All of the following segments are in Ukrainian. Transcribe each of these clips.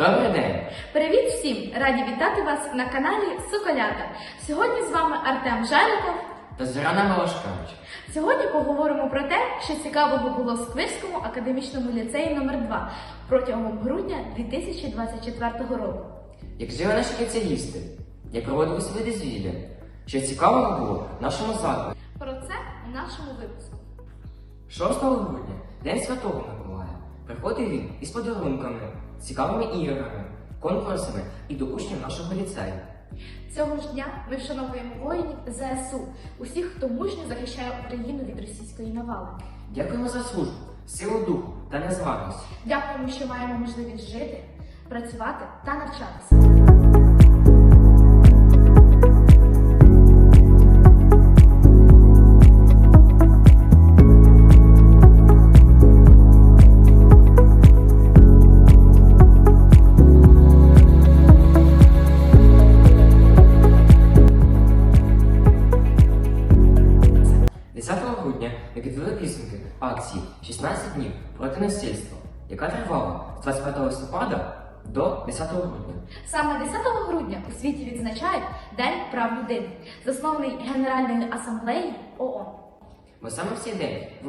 Добрий день! Привіт всім! Раді вітати вас на каналі Соколята. Сьогодні з вами Артем Жаріков та Зоряна Милошкевич. Сьогодні поговоримо про те, що цікавого було в Сквирському академічному ліцеї номер 2 протягом грудня 2024 року. Як жили наші спеціалісти, як проводили свої дозвілля, що цікавого було в нашому закладі. Про це у нашому випуску. 6 грудня, День Святого Миколая, приходив він із подарунками, цікавими іграми, конкурсами і до учнів нашого ліцею. Цього ж дня ми вшановуємо воїнів ЗСУ, усіх, хто мужньо захищає Україну від російської навали. Дякуємо за службу, силу духу та незламність. Дякуємо, що маємо можливість жити, працювати та навчатися. 10 грудня ми підвели підсумки акції «16 днів проти насильства», яка тривала з 25 листопада до 10 грудня. Саме 10 грудня у світі відзначають День прав людини, заснований Генеральною асамблеєю ООН. Бо саме в цей день, в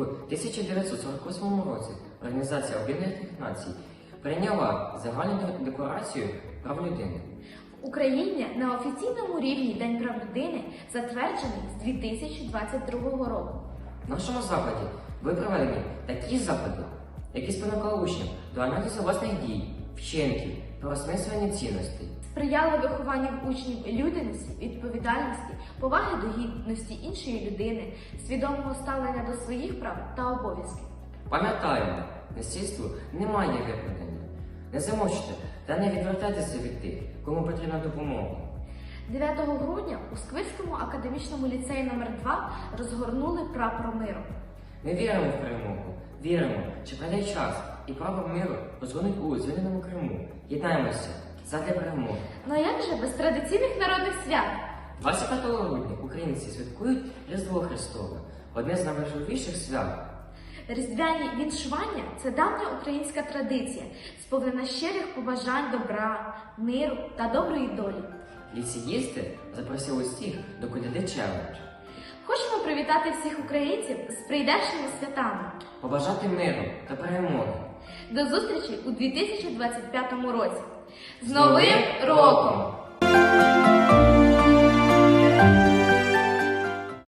1948 році, Організація Об'єднаних Націй прийняла загальну декларацію прав людини. В Україні на офіційному рівні День прав людини затверджений з 2022 року. В нашому закладі були проведені такі заходи, які спонукали учнів до аналізу власних дій, вчинків, переосмислення цінностей. Сприяли вихованню в учнів людяності, відповідальності, поваги до гідності іншої людини, свідомого ставлення до своїх прав та обов'язків. Пам'ятаємо, насильству немає виправдання. Не замовчте та не відвертайтеся від тих, кому потрібна допомога. 9 грудня у Сквирському академічному ліцеї номер 2 розгорнули прапор миру. Ми віримо в перемогу, віримо, що прийде час і прапор миру розгонить у звільненому Криму. Єднаємося задля перемоги. Ну а як же без традиційних народних свят? 25 грудня українці святкують Різдво Христове, одне з найважливіших свят. Різдвяні віншування – це давня українська традиція, сповнена щирих побажань добра, миру та доброї долі. Ліцеїсти запросили всіх до коляди челендж. Хочемо привітати всіх українців з прийдешніми святами. Побажати миру та перемоги. До зустрічі у 2025 році. З Новим роком!